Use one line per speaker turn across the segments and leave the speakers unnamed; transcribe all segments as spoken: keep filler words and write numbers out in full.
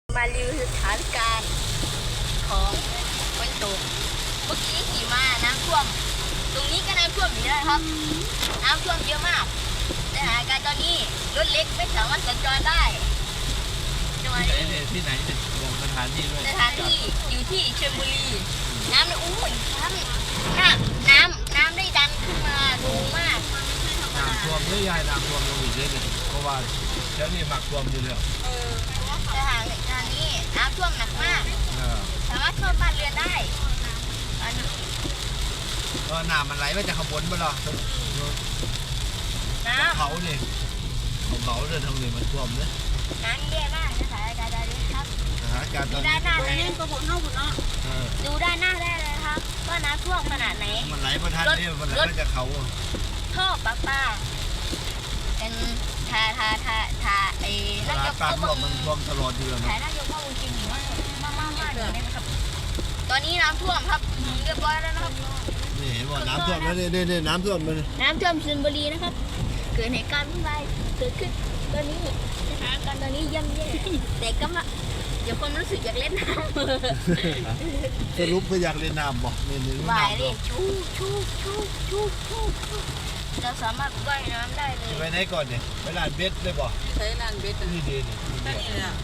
มารีวิวสถานการณ์ของฝนตกเมื่อกี้ขี่มาน้ำท่วมตรงนี้ก็น้ำท่วมอยู่นะครับน้ำท่วมเยอะมากสถานการณ์ตอนนี้รถเล็กไม่สามารถสัญจรได้จังหวะนี้
ที่ไหนเนี่ยบอกสถานที่ด้วย
สถานที่อยู่ที่ชลบุรีน้ำในอุ้ยน้ำน้ำน้ำน้ำได้ดันขึ้นมาดูมาก
น้ำท่วมเรื่อยๆน้ำท่วมลงอีกเรื่อยๆเพราะว่าเดี๋ยวนี้หมักท่วมอยู่แล้ว
เออสถานการณ์นี้น้ำท่วมหนักมาก
เออ
สามารถท่วมบ้านเรือนได้ตอนนี้
ก็น้ำมันไหลมาจากข้างบนไปหรอ
น้ำ
เขาเนี่ยเขาเขาเดินทางนี้มันท่วมเลย
น้ำแย่มากสถานการณ์ตอนนี้ครับ
สถานการณ์ต
ดู
อน
ด้า
นี้
นหน้าเลย
ก็ผลเข้าผลเนาะ
เออ
ดูด้านหน้าได้เลยครับว่าน้ำท่วมขนาดไหน
มันไหลมาทันเนี่ยมันไหลมาจากเขา
ท่อปลาปลาเป็นทาทาทาทาไอ้
เว
นาย
ลาก ปากท่วมมันท่วมตลอดอยู่แล้ว
ถ่าย
นะ
นายกพ่อจริงๆมากมากมากมากเลยนะครับตอนนี้น้ำท่วมครับเรียบร้อยแล้วนะครับ
นี่เห็นว่าน้ำท่วมแล้วเนี่ยเนี่ยน้ำท่วมมัน
น้ำท่วมชลบุรีนะครับ เกิดเหตุการณ์วุ่นวายเกิดขึ้นตอนนี้สถานการณ์ตอนนี้ย่ำแย่แต่ก็มาเดี๋ยวความรู้สึกอยากเล่นน้ำ
สรุปก็อยากเล่นน้ำบอกนี่นี่
ว่าย
น้ำ
เล
ท่วย ม
ชูชูชูชูชูชูเราสามารถว่ายน้ำได้เลย
ไปไหนก่อนเนี่ยไปลานเบสเลยบอก
ใช้ลานเบส
นี่ดีนี่
ได้เลยอ่ะ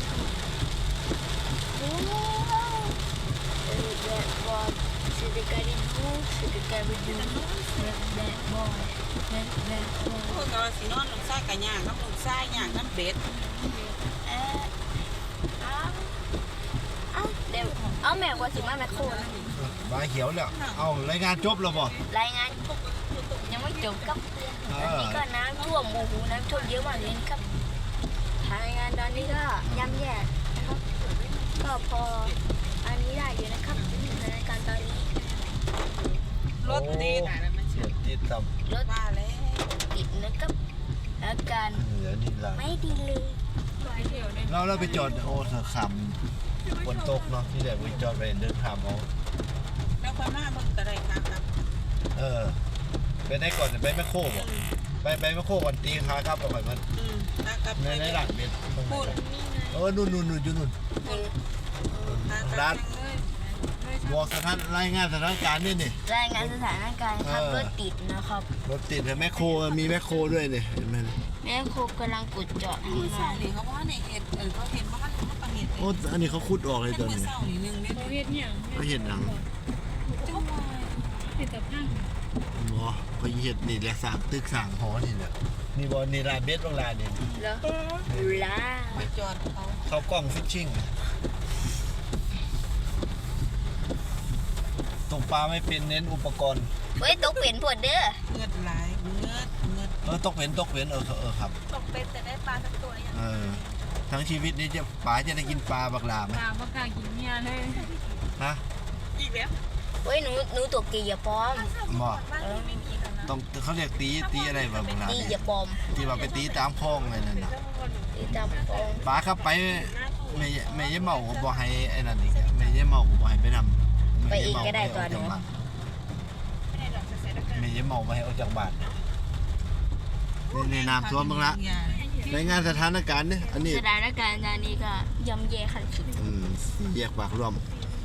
โอ้เออแบดบอยสิเดการิดูสิเดการิดูแบดแบดบอยแบดแบดบอย
พวกเราสีนอนหนุ่มไส้กันย่างน้ำหนุ่มไส้ย่างน้ำเบส
เออเอาเอาเดี๋ยวเอาแม่กว่าสิมาแม่โคนะ
ใบเขียวแล้วเอารายงานจบแล้วบอก
รายงานยังไม่จบครับตอนนี้ก็น้ำท่วมโอ้โหน้ำท่วมเยอะมากเลยนะครับรายงานตอนนี้ก็ย่ำแย่นะครับก็พออันนี้ได้อยู่นะครับสถานการณ์ตอนนี้
รถติด
เสียติดต่
รถ
มาแล้ว
ติดนะครับอาการ
ำเหลือนี่ละ
ไม่ดีเลย
เราเราไปจอดโอ้สขำฝนตกเนาะที่แหละไปจอดไปเดินขามเอา
แล้วคนหน้ามึงกระไรครับครับ
เออไปได้ก่อนไปแม่โคบ่ไปไปแม่โคก่อนตีขาครับเอาไปมัน
อืมนะครับ
ในในหลังเบ็ดตรงไหน
พูด
เออนู่นนู่นนู่นอยู่นู่น
ร้าน
บอกสถานรายงานสถานการณ์นี่นี่
รายงานสถานการณ์ครับ
เออ
รถติดนะครับ
รถติดแต่แม่โคมีแม่โคด้วยนี่เห็นไหม
แม่ครูกำลังกดจอด
มือ
ทำ
เศร้าง
าน
หนิเขาว่าในเห็ดเออเขาเห็นว่าเขาประเห็ด
โอ้อันนี้เขาขุดออกเลยตอน
มือ
นี้
เศร้าหนินึงเนี่ย
เฮ็ดหยัง
เขาเห็นหนัง
จังหวะ
เฮ็ดแต่พัง
บ่เขาเห็นนี่แหละสร้างตึกสร้างหอนี่แหละนี่บ่นี่ร้านเบ็ดโรงแรมนี่
แล้วลา
ไปจอดเขา
เขากล้องฟิชชิ่งตกปลาไม่เป็นเน้นอุปกรณ์
เฮ้ยตกเป็นปวดเด้อ
เงือดไหลเงือดเงือด
เออตกเป็นตกเป็นเออเออครับ
ตกเป็นแต่ได้ปลาสักตัวยัง
เออทั้งชีวิตนี้จะป๋าจะได้กินปลาบักลาไหม
ตาบ่กล้ากินเมียเลย
ฮะ
อีกแล้ว
เฮ้ยหนูหนูตกตีอย่าปลอม
บ่
บ้านเราไม่มีแล้วนะ
ต้องเขาเรียกตีตีอะไรบักลา
ตี
เนี่
อย่าย ปลอม
ที่ว่าไปตีตามคลองอะไรนั่นน่ะ
ตีตามปลอม
ป๋าครับไปแม่แม่ยายเมาก็บ่ให้ไอ้นั่นอีกอะแม่ยายเมาก็บ่ให้ไปนำ
ไปเองก็ได้ตัวหนู
แม่ยายเมาบ่ให้ออกจากบ้านนี่ในน้ำท่วมบ้างละรายงานสถานการณ์นี่อันนี้
สถานการณ์ตอนนี้ก็ย่ำแย่ขั้นสุด
อืมแยกปากร่วม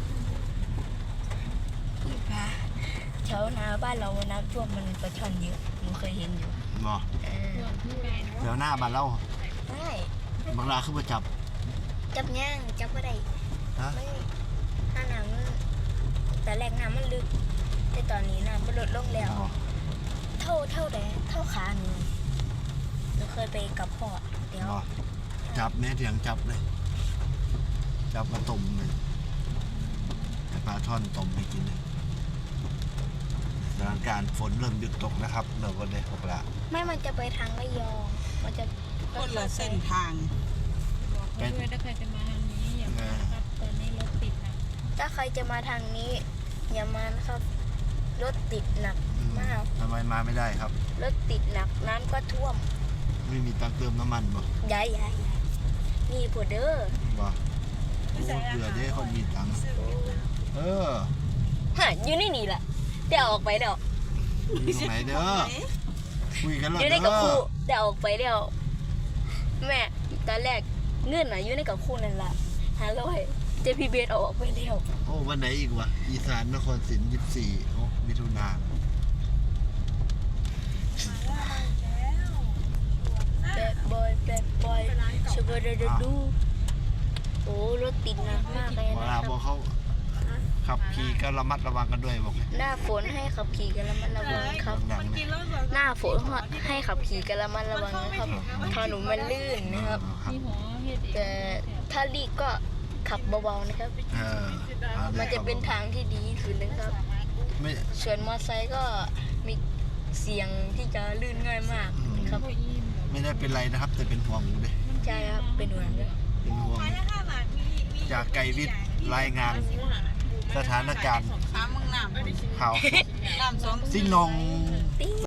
แถวนาบ้านเราน้ำท่วมมันปลาช่อนเยอะหนูเคยเห็นอยู่
บ่
เออ
เดี๋ยวหน้าบ้านเรา
ไม่
บักลาคือบ่จับ
จับย่างจับก็ได้
ฮะ
ไม่ถ้าน้ำมันแต่แรกน้ำมันลึกแต่ตอนนี้น้ำมันลดลงแล้ว
บ่
เท่าเท่าแต่เท่าขาหนูหนูเคยไปกับพ่อเดี๋ยว
บ่จับแม่เถียงจับเลย จับมาต้มเลยให้ปลาช่อนต้มให้กินเลยสถานการณ์ฝนเริ่มหยุดตกนะครับเราก็ได้พบละ
ไม่มันจะไปทางระยองมันจะ
คนละเส้นทาง
บอกเขาด้วยถ้าใครจะมาทางนี้อย่ามาครับตอนนี้รถติดนะ
ถ้าใครจะมาทางนี้อย่ามานะครับรถติดหนัก
อืม
มาก
ทำไมมาไม่ได้ครับ
รถติดหนักน้ำก็ท่วม
ไม่มีตังค์เติมน้ำมันบ่
ย้ายย้ายย้ายนี่ผัวเด้อ
บ่โอ้เผื่อได้คนมีตังค์เออ
ฮะอยู่ในนี่แหละเดี๋ยวออกไปเดี๋ยว
อยู่ตรงไหนเด้อคุยกันแล้ว
อยู่ใน
เด้
กับ
อ
ครูเดี๋ยวออกไปเดี๋ยวแม่ตอนแรกเงื่อนน่ะอยู่ในกับครูนั่นแหละห้าร้อยเจพีเบสเอาออกไปเดียว
โอ้วันไหนอีกวะอีสานนครศรียี่สิบสี่โอ้มิถุนา
แบดบอยแบดบอยชเบอร์ดดูโอ้รถติดหนักมากเลย
เว
นะ
ลา
ครับ
บอกเขาขับขี่ก็ระมัดระวังกันด้วยบอกเลย
หน้าฝนให้ขับขี่กันระมัดระวังครับ
ดังๆเนี่ย
หน้าฝนให้ขับขี่กันระมัดระวังนะครับถนนมันลื่นนะครับ
ครับ
มีหอเฮ็ดเอง
แต่ถ้ารีบก็ขับเบาๆนะครับ
เออเอาเลย
มันจะเป็นทางที่ดีที่สุดนะครับ
ไม่
ส่วนมอเตอร์ไซค์ก็มีเสียงที่จะลื่นง่ายมากนะครับ
พออิ่ม
ไม่ได้เป็นไรนะครับ แต่เป็นห่วงเลย
ใช่ครับเป็นห่วงด้วย
เป็นห่วงจากไกรวิทย์รายงานสถานการณ์
ถามมึงน้ำ
ข่าวสด
น้ำสอง
ซินอง
ติ๊ง